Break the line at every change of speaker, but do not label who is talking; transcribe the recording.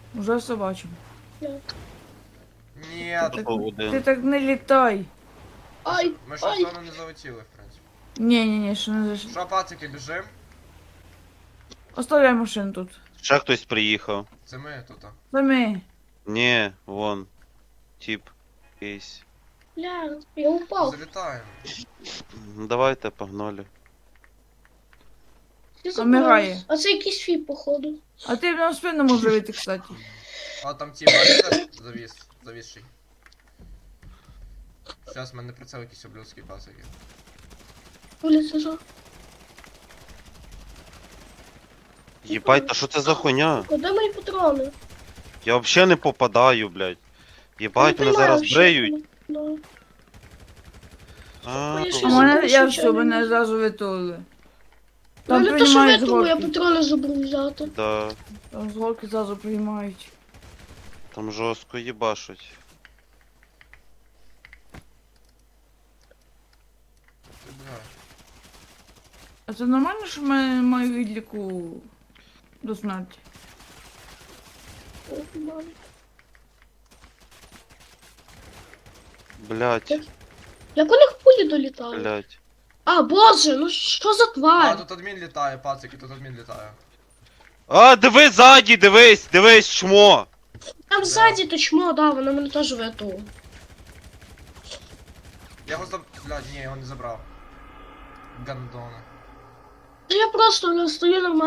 Уже все бачимо.
Ні,
Ти
Один.
так не літай.
Ай,
ми ще в
ай.
зону не залетіли, в принципі.
Ні, що не зайшли.
Що, пацики, біжим?
Оставляй машину тут.
Ще хтось приїхав.
Це ми тут.
Самі.
Ні, вон. Тип. Якийсь.
Бля, я упав.
Залітаємо.
Давайте, погнали.
Всі
Помирає.
забрались. А це якийсь фіп, походу.
А ти на спину можеш вийти, кстати.
А там ті бачите? Завісший. Зараз в мене прицел якийсь облюдський, пацики.
Вулиця жо.
Єбать, та що це за хуйня?
Куди мої патрони?
Я взагалі не попадаю, блядь. Єбать,
Не
мене
приймаю
зараз
ще.
бреють.
Да.
А,
Ой,
У
ще
мене, я
запишу,
все,
що
мене
не-
зразу витулили.
Ну
Там
не то, що
приймають з
витягу, я
горки.
патрони забув взяти.
да.
Там з горки зразу приймають.
Там жорстко їбашуть.
Ти, бля.
А це нормально, що ми маю відліку до смерті?
Ох, мам.
Блядь,
Як у них пулі долітали?
блядь.
А, боже, ну що за
А,
тварь?
тут адмін літає, пацики, тут адмін літає.
А, дивись ззаді, дивись, чмо.
Там ззаді то чмо, да, вона мене теж витягла.
Я його Блядь, ні, його не забрав. Гандона.
Я просто стою нормально.